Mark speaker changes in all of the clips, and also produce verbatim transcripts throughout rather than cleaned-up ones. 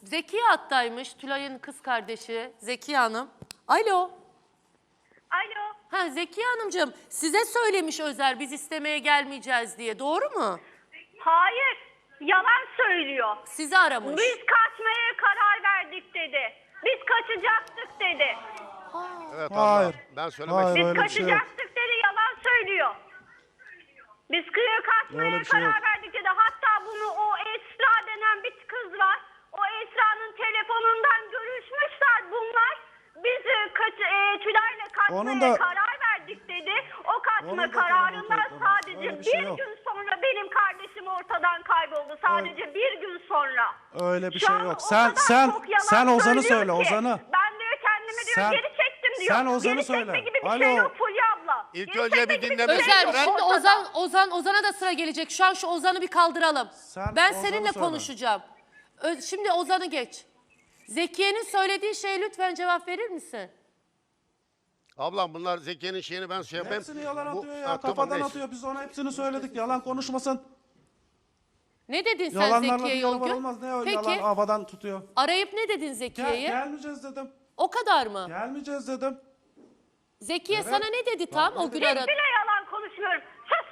Speaker 1: Zekiye hattaymış. Tülay'ın kız kardeşi Zekiye Hanım. Alo.
Speaker 2: Alo.
Speaker 1: Ha Zekiye Hanımcığım size söylemiş Özer biz istemeye gelmeyeceğiz diye. Doğru mu?
Speaker 2: Hayır. Yalan söylüyor.
Speaker 1: Sizi aramış.
Speaker 2: Biz kaçmaya karar verdik dedi. Biz kaçacaktık dedi.
Speaker 3: Evet abla.
Speaker 4: Hayır.
Speaker 3: Ben söylemek
Speaker 4: Hayır,
Speaker 2: Biz
Speaker 4: öyle bir şey yok.
Speaker 2: kaçacaktık dedi. Yalan söylüyor. Biz kıyı kaçmaya
Speaker 4: Öyle bir şey
Speaker 2: karar
Speaker 4: yok.
Speaker 2: verdik dedi. Hatta bunu o Esra denen bir kız var. O Esra'nın telefonundan görüşmüşler bunlar. Biz e, kaç, e, Tülay'la kaçmaya
Speaker 4: Onun da-
Speaker 2: karar verdik dedi. O kaçma
Speaker 4: Onun da
Speaker 2: kararından
Speaker 4: telefonu kayıtlı.
Speaker 2: sadece
Speaker 4: Öyle bir
Speaker 2: bir
Speaker 4: şey yok.
Speaker 2: gün sonra benim kardeşim ortadan kayboldu. Sadece bir gün sonra.
Speaker 4: Öyle bir
Speaker 2: Şu
Speaker 4: şey
Speaker 2: an
Speaker 4: yok.
Speaker 2: o
Speaker 4: Sen
Speaker 2: kadar
Speaker 4: sen
Speaker 2: çok yalan
Speaker 4: sen Ozan'ı
Speaker 2: söylüyor
Speaker 4: söyle,
Speaker 2: ki.
Speaker 4: Ozan'ı.
Speaker 2: Ben diyor kendimi diyor
Speaker 4: Sen-
Speaker 2: geri çektim diyor.
Speaker 4: sen Ozan'ı
Speaker 2: geri
Speaker 4: söyle.
Speaker 2: çekme gibi bir
Speaker 4: Alo.
Speaker 2: şey yok Fulya abla.
Speaker 3: İlk
Speaker 2: Geri
Speaker 3: önce
Speaker 2: çekme
Speaker 3: bir
Speaker 2: gibi
Speaker 3: dinleme
Speaker 2: şey
Speaker 1: Özer
Speaker 2: yok
Speaker 1: şimdi
Speaker 2: ortada.
Speaker 1: Ozan Ozan Ozan'a da sıra gelecek. Şu an şu Ozan'ı bir kaldıralım.
Speaker 4: Sen
Speaker 1: ben
Speaker 4: Ozan'ı
Speaker 1: seninle
Speaker 4: söyle.
Speaker 1: konuşacağım. Ö- Şimdi Ozan'ı geç. Zekiye'nin söylediği şeye lütfen cevap verir misin?
Speaker 3: Ablam bunlar Zekiye'nin şeyini ben şey yapayım.
Speaker 4: Hepsini yalan
Speaker 3: Bu-
Speaker 4: atıyor ya.
Speaker 3: Ha, tamam,
Speaker 4: Kafadan
Speaker 3: neyse.
Speaker 4: atıyor. Biz ona hepsini söyledik. Yalan konuşmasın.
Speaker 1: Ne dedin sen
Speaker 4: Yalanlarla bir
Speaker 1: Zekiye'ye o
Speaker 4: yalan
Speaker 1: gün?
Speaker 4: olmaz. Ne o
Speaker 1: Peki
Speaker 4: yalan havadan tutuyor.
Speaker 1: arayıp ne dedin
Speaker 4: Gel,
Speaker 1: Zekiye'ye?
Speaker 4: gelmeyeceğiz dedim.
Speaker 1: O kadar mı?
Speaker 4: Gelmeyeceğiz dedim.
Speaker 1: Zekiye
Speaker 4: Evet.
Speaker 1: sana ne dedi tam o gün
Speaker 2: Hiç
Speaker 1: aradı?
Speaker 2: bile yalan konuşmuyorum. Sus.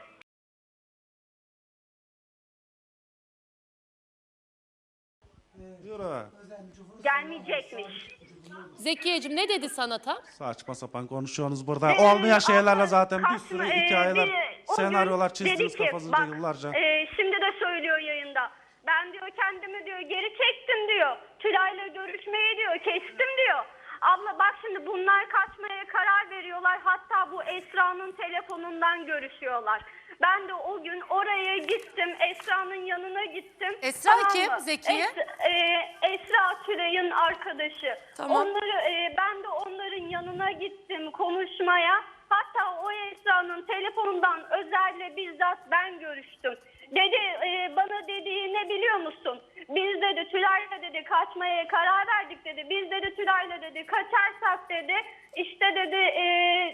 Speaker 4: Diyor ha.
Speaker 2: Gelmeyecekmiş.
Speaker 1: Zekiyeciğim ne dedi sana tam?
Speaker 4: Saçma sapan konuşuyorsunuz burada. Olmayan şeylerle
Speaker 2: Ama
Speaker 4: zaten bir
Speaker 2: kaçma-
Speaker 4: sürü
Speaker 2: e,
Speaker 4: hikayeler,
Speaker 2: bir- o
Speaker 4: senaryolar
Speaker 2: gün dedi
Speaker 4: çizdiniz
Speaker 2: ki,
Speaker 4: kafanızda
Speaker 2: bak,
Speaker 4: yıllarca.
Speaker 2: e, şimdi de söylüyor yayında. Ben diyor kendimi diyor geri çektim diyor. Tülay'la görüşmeyi diyor kestim diyor. Abla bak şimdi bunlar kaçmaya karar veriyorlar. Hatta bu Esra'nın telefonundan görüşüyorlar. Ben de o gün oraya gittim. Esra'nın yanına gittim.
Speaker 1: Esra
Speaker 2: Tamam
Speaker 1: kim?
Speaker 2: mı?
Speaker 1: Zekiye?
Speaker 2: Es- e, Esra Tülay'ın arkadaşı.
Speaker 1: Tamam.
Speaker 2: Onları e, ben de onların yanına gittim konuşmaya. Hatta o Esra'nın telefonundan Özer'le bizzat ben görüştüm. Dedi e, bana dediği ne biliyor musun? Biz dedi Tülay'la dedi kaçmaya karar verdik dedi. Biz dedi Tülay'la dedi kaçarsak dedi işte dedi e,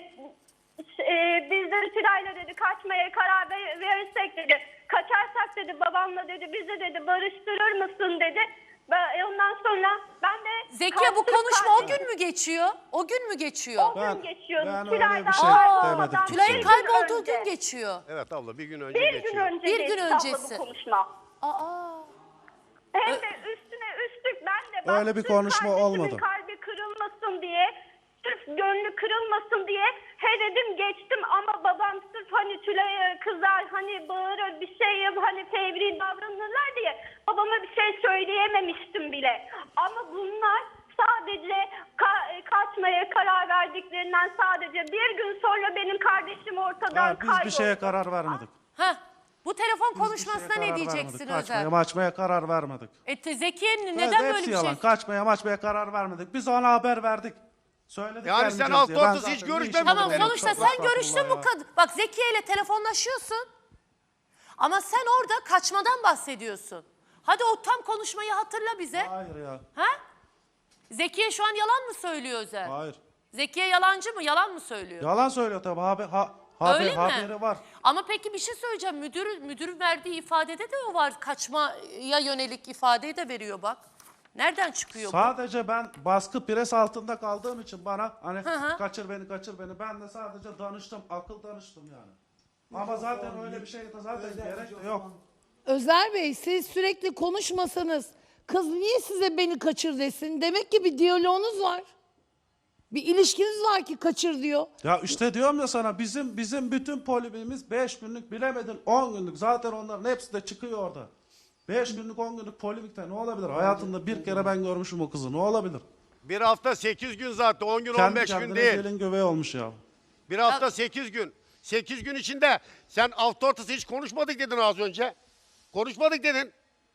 Speaker 2: e, biz dedi Tülay'la dedi kaçmaya karar ver- verirsek dedi. Kaçarsak dedi babamla dedi bizi dedi barıştırır mısın dedi. Ben, ondan sonra ben de...
Speaker 1: Zekiye bu
Speaker 2: kaçtım,
Speaker 1: konuşma o
Speaker 2: kaçtım.
Speaker 1: gün mü geçiyor? O gün mü geçiyor?
Speaker 2: O
Speaker 4: Ben-
Speaker 2: gün geçiyor.
Speaker 4: ben öyle
Speaker 2: Tülay'dan
Speaker 4: bir şey
Speaker 2: kaybolmadan
Speaker 4: demedim
Speaker 2: bir
Speaker 1: Tülay'ın
Speaker 2: gün
Speaker 1: kaybolduğu
Speaker 2: önce.
Speaker 1: gün geçiyor.
Speaker 3: Evet abla bir gün önce
Speaker 2: Bir
Speaker 3: geçiyor.
Speaker 2: gün önce
Speaker 1: Bir
Speaker 2: geçti
Speaker 1: gün
Speaker 2: abla
Speaker 1: öncesi.
Speaker 2: bu konuşma.
Speaker 1: Aa.
Speaker 2: Hem de üstüne üstlük ben de bak,
Speaker 4: Öyle bir
Speaker 2: sırf
Speaker 4: konuşma
Speaker 2: kardeşimin
Speaker 4: olmadı.
Speaker 2: kalbi kırılmasın diye, sırf gönlü kırılmasın diye he dedim geçtim ama babam sırf hani Tülay'a kızar hani bağırır bir şey yap hani fevri davranırlar diye babama bir şey söyleyememiştim bile. Ama bunlar sadece ka- kaçmaya karar verdiklerinden sadece bir gün sonra benim kardeşim ortadan
Speaker 4: Ha, biz
Speaker 2: kayboldu.
Speaker 4: bir şeye karar vermedik.
Speaker 1: Heh. Bu telefon
Speaker 4: Biz bir şeye
Speaker 1: konuşmasına
Speaker 4: karar
Speaker 1: ne diyeceksin
Speaker 4: vermedik. Kaçmaya
Speaker 1: Özer?
Speaker 4: maçmaya karar vermedik.
Speaker 1: E te- Zekiye'nin
Speaker 4: Evet,
Speaker 1: neden böyle
Speaker 4: hepsi
Speaker 1: bir
Speaker 4: yalan.
Speaker 1: şey?
Speaker 4: Kaçmaya maçmaya karar vermedik. Biz ona haber verdik. Söyledik
Speaker 3: Yani sen
Speaker 4: gelmeyeceğiz
Speaker 3: alt
Speaker 4: diye. Ben
Speaker 3: ortası
Speaker 4: zaten
Speaker 3: hiç
Speaker 4: ne
Speaker 3: görüşmedin
Speaker 4: işim
Speaker 1: Tamam
Speaker 4: var benim?
Speaker 1: sonuçta
Speaker 4: Estağfurullah
Speaker 1: sen görüştün bu
Speaker 4: ya.
Speaker 1: kadın. Bak Zekiye ile telefonlaşıyorsun. Ama sen orada kaçmadan bahsediyorsun. Hadi o tam konuşmayı hatırla bize.
Speaker 4: Hayır ya.
Speaker 1: Ha? Zekiye şu an yalan mı söylüyor Özer?
Speaker 4: Hayır.
Speaker 1: Zekiye yalancı mı? Yalan mı söylüyor?
Speaker 4: Yalan söylüyor tabii. Haber, ha, haber,
Speaker 1: Öyle mi?
Speaker 4: haberi var.
Speaker 1: Ama peki bir şey söyleyeceğim. Müdür, müdürün verdiği ifadede de o var. Kaçmaya yönelik ifadeyi de veriyor bak. Nereden çıkıyor bu?
Speaker 4: Sadece ben baskı pres altında kaldığım için bana hani
Speaker 1: hı.
Speaker 4: kaçır beni kaçır beni. Ben de sadece danıştım. Akıl danıştım yani. Ama zaten öyle bir şey de zaten gerek de yok.
Speaker 5: Özer Bey siz sürekli konuşmasanız kız niye size beni kaçır desin? Demek ki bir diyaloğunuz var. Bir ilişkiniz var ki kaçır diyor.
Speaker 4: Ya işte diyorum ya sana bizim bizim bütün polimimiz beş günlük bilemedin on günlük. Zaten onların hepsi de çıkıyor orada. beş günlük on günlük polimikte ne olabilir? Hayatımda bir kere ben görmüşüm o kızı. Ne olabilir?
Speaker 3: Bir hafta sekiz gün zaten on gün on
Speaker 4: Kendi
Speaker 3: beş gün
Speaker 4: kendine
Speaker 3: değil.
Speaker 4: gelin göbeği olmuş ya.
Speaker 3: Bir hafta sekiz gün. Sekiz gün içinde sen hafta ortası hiç konuşmadık dedin az önce. Konuşmadık dedin.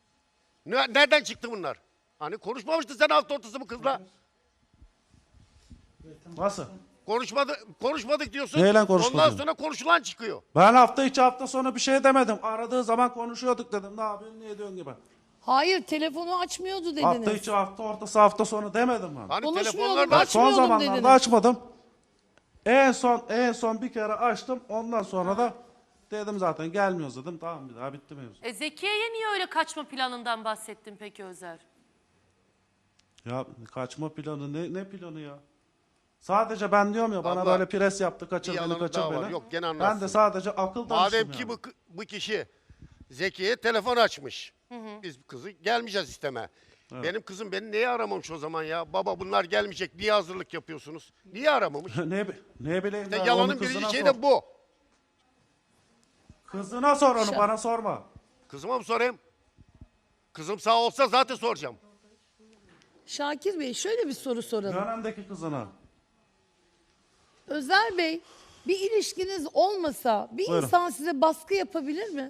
Speaker 3: Ne- Nereden çıktı bunlar? Hani konuşmamıştın sen hafta ortası bu kızla.
Speaker 4: Nasıl?
Speaker 3: Konuşmadı, konuşmadık diyorsun.
Speaker 4: Neyle konuşmadın?
Speaker 3: Ondan sonra konuşulan çıkıyor.
Speaker 4: Ben hafta içi hafta sonu bir şey demedim. Aradığı zaman konuşuyorduk dedim. Ne yapıyorsun ne ediyorsun gibi.
Speaker 5: Hayır telefonu açmıyordu dediniz.
Speaker 4: Hafta içi hafta ortası hafta sonu demedim ben.
Speaker 3: Hani
Speaker 5: Konuşmuyorduk,
Speaker 3: telefonlarda
Speaker 4: Bak son
Speaker 5: açmıyordum
Speaker 4: zamanlarda
Speaker 5: dediniz.
Speaker 4: açmadım. En son en son bir kere açtım. Ondan sonra da dedim zaten gelmiyoruz dedim. Tamam bir daha bitti mevzu.
Speaker 1: E Zekiye'ye niye öyle kaçma planından bahsettin peki Özer?
Speaker 4: Ya kaçma planı ne, ne planı ya? Sadece ben diyorum ya bana
Speaker 3: Abla,
Speaker 4: böyle pres yaptı, kaçır
Speaker 3: bir
Speaker 4: beni,
Speaker 3: yalanı
Speaker 4: kaçır
Speaker 3: daha
Speaker 4: beni.
Speaker 3: var. Yok, gene
Speaker 4: ben
Speaker 3: anlatsın.
Speaker 4: de sadece akıl danıştım
Speaker 3: Madem
Speaker 4: yani.
Speaker 3: ki bu, bu kişi Zeki'ye telefon açmış. Biz kızı gelmeyeceğiz isteme. Benim kızım beni niye aramamış o zaman ya? Baba bunlar gelmeyecek. Niye hazırlık yapıyorsunuz? Niye aramamış?
Speaker 4: ne, bi- ne bileyim
Speaker 3: İşte
Speaker 4: ben,
Speaker 3: yalanın
Speaker 4: onu kızına
Speaker 3: birinci şeyi
Speaker 4: sor.
Speaker 3: de bu.
Speaker 4: Kızına sor onu,
Speaker 5: Şa-
Speaker 4: bana sorma.
Speaker 3: Kızıma mı sorayım? Kızım sağ olsa zaten soracağım.
Speaker 5: Şakir Bey şöyle bir soru soralım.
Speaker 4: Dönemdeki kızına.
Speaker 5: Özer Bey, bir ilişkiniz olmasa bir
Speaker 4: Buyurun.
Speaker 5: insan size baskı yapabilir mi?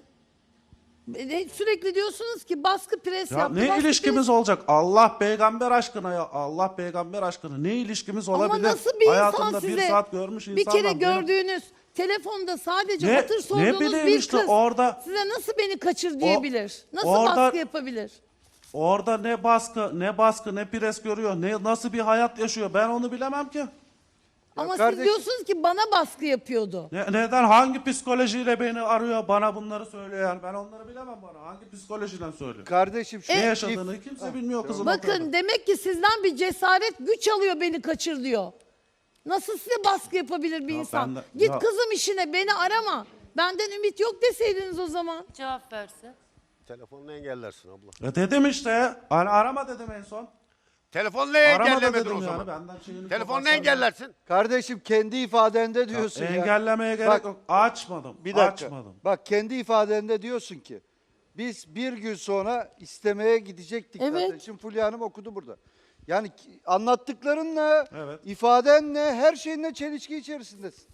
Speaker 5: E, Sürekli diyorsunuz ki baskı pres
Speaker 4: Ya
Speaker 5: yaptı.
Speaker 4: ne
Speaker 5: baskı
Speaker 4: ilişkimiz olacak? Allah peygamber aşkına ya. Allah peygamber aşkına. Ne ilişkimiz
Speaker 5: pres...
Speaker 4: olabilir?
Speaker 5: Ama nasıl bir
Speaker 4: Hayatımda
Speaker 5: insan size
Speaker 4: bir saat görmüş
Speaker 5: bir
Speaker 4: insanlar.
Speaker 5: kere
Speaker 4: benim-
Speaker 5: gördüğünüz telefonda sadece
Speaker 4: Ne-
Speaker 5: hatır
Speaker 4: ne
Speaker 5: sorduğunuz
Speaker 4: bileyim
Speaker 5: bir
Speaker 4: işte
Speaker 5: kız
Speaker 4: orada-
Speaker 5: size nasıl beni kaçır diyebilir? Nasıl
Speaker 4: orada-
Speaker 5: baskı yapabilir?
Speaker 4: Orada ne baskı, ne baskı, ne pres görüyor, ne nasıl bir hayat yaşıyor ben onu bilemem ki.
Speaker 5: Ama siz
Speaker 6: kardeşim-
Speaker 5: diyorsunuz ki bana baskı yapıyordu.
Speaker 4: Ne, neden, hangi psikolojiyle beni arıyor, bana bunları söylüyor yani ben onları bilemem bana. Hangi psikolojiden söylüyor?
Speaker 6: Kardeşim şu
Speaker 4: Ne
Speaker 5: E,
Speaker 4: yaşadığını kimse bilmiyor kızın.
Speaker 5: Bakın
Speaker 4: ortada.
Speaker 5: demek ki sizden bir cesaret güç alıyor beni kaçır diyor. Nasıl size baskı yapabilir bir
Speaker 4: Ya
Speaker 5: insan?
Speaker 4: ben de-
Speaker 5: Git
Speaker 4: ya-
Speaker 5: kızım işine beni arama. Benden ümit yok deseydiniz o zaman.
Speaker 1: Cevap versin.
Speaker 3: Telefonla engellersin abla.
Speaker 4: Ya dedim işte, hani arama dedim en son.
Speaker 3: Telefonla
Speaker 4: Arama da
Speaker 3: engellemedin
Speaker 4: dedim
Speaker 3: o
Speaker 4: yani
Speaker 3: zaman.
Speaker 4: benden şeyini
Speaker 3: Telefonla
Speaker 4: kapatsan-
Speaker 3: engellersin.
Speaker 6: Kardeşim kendi ifadende diyorsun ya.
Speaker 4: Engellemeye gerek
Speaker 6: Bak,
Speaker 4: yok. Açmadım.
Speaker 6: Bir dakika.
Speaker 4: Açmadım.
Speaker 6: Bak kendi ifadende diyorsun ki biz bir gün sonra istemeye gidecektik
Speaker 5: Evet.
Speaker 6: kardeşim. Fulya Hanım okudu burada. Yani ki- anlattıklarınla,
Speaker 4: Evet.
Speaker 6: ifadenle, her şeyinle çelişki içerisindesin.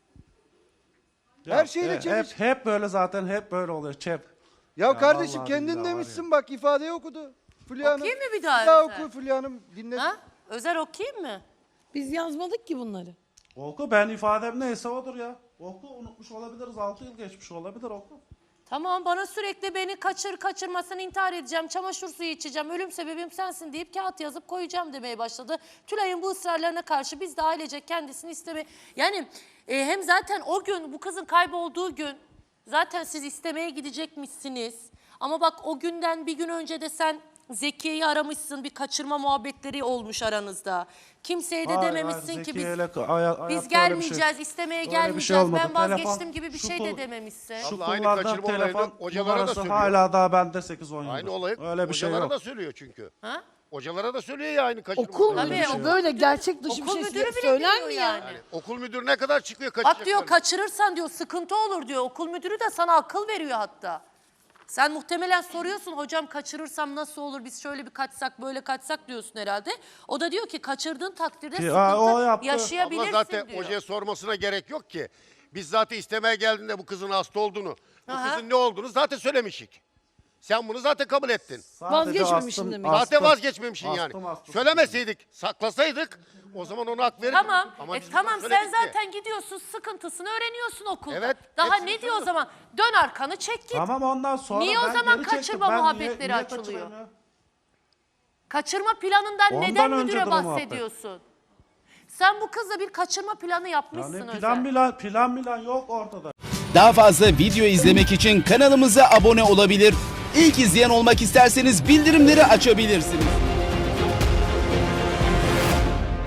Speaker 4: Ya,
Speaker 6: Her şeyle
Speaker 4: e, hep,
Speaker 6: çelişki.
Speaker 4: hep böyle zaten, hep böyle oluyor. Çep.
Speaker 6: Ya,
Speaker 4: Ya
Speaker 6: kardeşim
Speaker 4: vallahi
Speaker 6: kendin
Speaker 4: billahi var
Speaker 6: demişsin
Speaker 4: ya.
Speaker 6: bak ifadeyi okudu. Fulya Hanım.
Speaker 1: Okuyayım mı bir daha
Speaker 6: Bir daha
Speaker 1: Özer?
Speaker 6: oku Fulya Hanım dinle.
Speaker 1: Ha? Özer okuyayım mı?
Speaker 5: Biz yazmadık ki bunları.
Speaker 4: Oku, ben ifadem neyse odur ya. Oku, unutmuş olabiliriz. altı yıl geçmiş olabilir, oku.
Speaker 1: Tamam, bana sürekli beni kaçır kaçırmasın, intihar edeceğim, çamaşır suyu içeceğim, ölüm sebebim sensin deyip kağıt yazıp koyacağım demeye başladı. Tülay'ın bu ısrarlarına karşı biz de ailecek kendisini isteme... Yani e, hem zaten o gün, bu kızın kaybolduğu gün zaten siz istemeye gidecekmişsiniz. Ama bak o günden bir gün önce de sen Zekiye'yi aramışsın, bir kaçırma muhabbetleri olmuş aranızda. Kimseye de
Speaker 4: Hayır,
Speaker 1: dememişsin
Speaker 4: hayır,
Speaker 1: ki biz...
Speaker 4: Zekiye'yle ka- hay- hayatta öyle
Speaker 1: Biz
Speaker 4: bir şey-
Speaker 1: gelmeyeceğiz, istemeye
Speaker 4: öyle bir şey
Speaker 1: gelmeyeceğiz,
Speaker 4: olmadı.
Speaker 1: ben vazgeçtim
Speaker 4: Telefon-
Speaker 1: gibi bir
Speaker 4: şu
Speaker 1: şey
Speaker 4: kul-
Speaker 1: de dememişsin.
Speaker 4: Şu
Speaker 3: Abla, aynı
Speaker 4: kullandığı
Speaker 3: kaçırma olayını
Speaker 4: telefon
Speaker 3: hocalara da
Speaker 4: numarası
Speaker 3: söylüyor.
Speaker 4: hala daha bende sekiz on yıldır.
Speaker 3: Aynı olayı
Speaker 4: Öyle bir şey
Speaker 3: hocalara
Speaker 4: yok.
Speaker 3: da söylüyor çünkü.
Speaker 1: Ha?
Speaker 3: Hocalara da söylüyor ya aynı kaçırma
Speaker 5: Okul
Speaker 3: olayını.
Speaker 1: Tabii,
Speaker 5: müdürü
Speaker 1: okul
Speaker 5: böyle
Speaker 1: müdürü-
Speaker 5: gerçek dışı bir
Speaker 1: okul
Speaker 5: şey
Speaker 1: müdürü bile
Speaker 5: söyler
Speaker 1: biliyor
Speaker 5: mi
Speaker 1: yani.
Speaker 5: yani?
Speaker 3: Okul müdürü ne kadar çıkıyor kaçacak?
Speaker 1: Bak diyor kaçırırsan diyor sıkıntı olur diyor. Okul müdürü de sana akıl veriyor hatta. Sen muhtemelen soruyorsun hocam kaçırırsam nasıl olur, biz şöyle bir kaçsak böyle kaçsak diyorsun herhalde. O da diyor ki kaçırdığın takdirde
Speaker 4: Ki,
Speaker 1: sıkıntı
Speaker 4: ha, o yaptı.
Speaker 1: yaşayabilirsin
Speaker 3: Ama zaten
Speaker 1: diyor.
Speaker 3: hocaya sormasına gerek yok ki. Biz zaten istemeye geldiğinde bu kızın hasta olduğunu, bu
Speaker 1: Aha.
Speaker 3: kızın ne olduğunu zaten söylemişik. Sen bunu zaten kabul ettin.
Speaker 4: Sadece
Speaker 5: Vazgeçmemişim
Speaker 4: astım-
Speaker 5: demek.
Speaker 3: Zaten
Speaker 4: astım-
Speaker 3: vazgeçmemişsin yani.
Speaker 4: astım hastası.
Speaker 3: Söylemeseydik, saklasaydık o zaman ona hak verirdik.
Speaker 1: Tamam.
Speaker 3: Ama
Speaker 1: E,
Speaker 3: biz
Speaker 1: tamam
Speaker 3: bunu
Speaker 1: sen
Speaker 3: söyledik ki.
Speaker 1: zaten gidiyorsun sıkıntısını öğreniyorsun okulda.
Speaker 3: Evet,
Speaker 1: Daha
Speaker 3: hepsini
Speaker 1: ne diyor o
Speaker 3: söylüyorum.
Speaker 1: zaman? Dön arkanı çek git.
Speaker 4: Tamam, ondan sonra
Speaker 1: Niye o
Speaker 4: ben
Speaker 1: zaman
Speaker 4: geri çektim.
Speaker 1: kaçırma
Speaker 4: Ben niye-
Speaker 1: muhabbetleri
Speaker 4: niye
Speaker 1: açılıyor?
Speaker 4: kaçırayım ya?
Speaker 1: Kaçırma planından
Speaker 4: Ondan
Speaker 1: neden
Speaker 4: öncedir
Speaker 1: müdüre
Speaker 4: o muhabbet.
Speaker 1: bahsediyorsun? Sen bu kızla bir kaçırma planı yapmışsın
Speaker 4: Yani
Speaker 1: Özer.
Speaker 4: plan plan, plan plan yok ortada.
Speaker 7: Daha fazla video izlemek için kanalımıza abone olabilir. İlk izleyen olmak isterseniz bildirimleri açabilirsiniz.